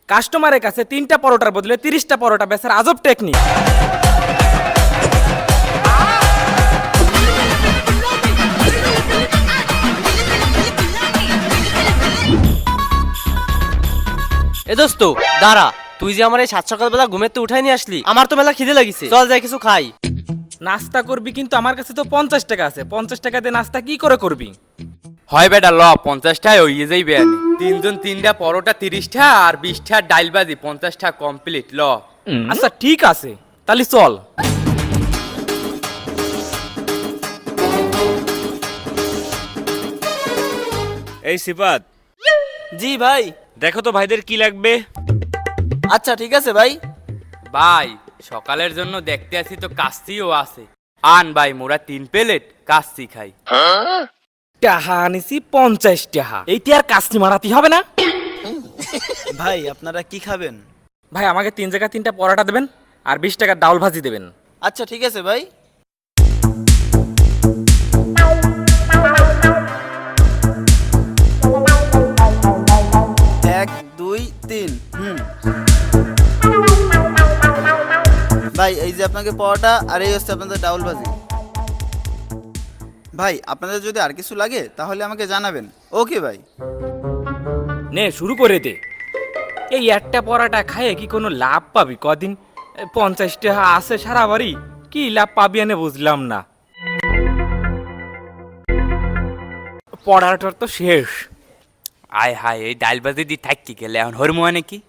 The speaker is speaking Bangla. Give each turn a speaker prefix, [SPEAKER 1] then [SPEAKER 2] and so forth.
[SPEAKER 1] কাস্টমারের কাছে 3টা পরোটার বদলে 30টা পরোটা বেচার আজব টেকনিক।
[SPEAKER 2] এ দোস্ত দাঁড়া, তুই যে আমার এই সাত সকালবেলা ঘুমের তো উঠাই নিয়ে আসলি, আমার তো মেলা খিদে লাগিছে, চল যাই কিছু খাই।
[SPEAKER 1] নাস্তা করবি কিন্তু আমার কাছে তো 50 টাকা আছে, 50 টাকা দিয়ে নাস্তা কি করে করবি?
[SPEAKER 3] হয় বেটা ল 50টায় হইয়ে যাইবে আনি। তিনজন 3টা পরোটা 30টা আর 20টা ডাইল বাজি 50টা কমপ্লিট ল।
[SPEAKER 1] আচ্ছা ঠিক আছে, তাহলে চল।
[SPEAKER 4] এই সিফাত,
[SPEAKER 2] জি ভাই।
[SPEAKER 4] দেখো তো ভাইদের কি লাগবে।
[SPEAKER 2] আচ্ছা ঠিক আছে ভাই।
[SPEAKER 3] ভাই সকালের জন্য দেখতে আছি তো কাচ্চিও আছে। আন ভাই মোরা 3 প্লেট কাচ্চি খাই।
[SPEAKER 1] টাহা আনিছি 50 টাকা, এইটি আর কাস্তি মারাতে হবে না।
[SPEAKER 5] ভাই আপনারা কি খাবেন?
[SPEAKER 1] ভাই আমাকে 3 জায়গায় 3টা পরোটা দেবেন আর 20 টাকার ডাউল ভাজি দেবেন।
[SPEAKER 5] আচ্ছা ঠিক আছে ভাই। এক দুই তিন। ভাই এই যে আপনাকে পরোটা আর এই হচ্ছে আপনাদের ডাউল ভাজি। ভাই আপনাদের যদি আর কিছু লাগে তাহলে আমাকে জানাবেন। ওকে ভাই।
[SPEAKER 1] নে শুরু করে দে। এই একটা পরোটা খাইয়ে কি কোনো লাভ পাবি কদিন? 50 টাকা আছে সারা বাড়ি, কি লাভ পাবি এনে বুঝলাম না। পড়াটার তো শেষ।
[SPEAKER 3] আয় হায় এই ডাইল বাজি দি থাকি গেলে এখন হরমুয়া নাকি?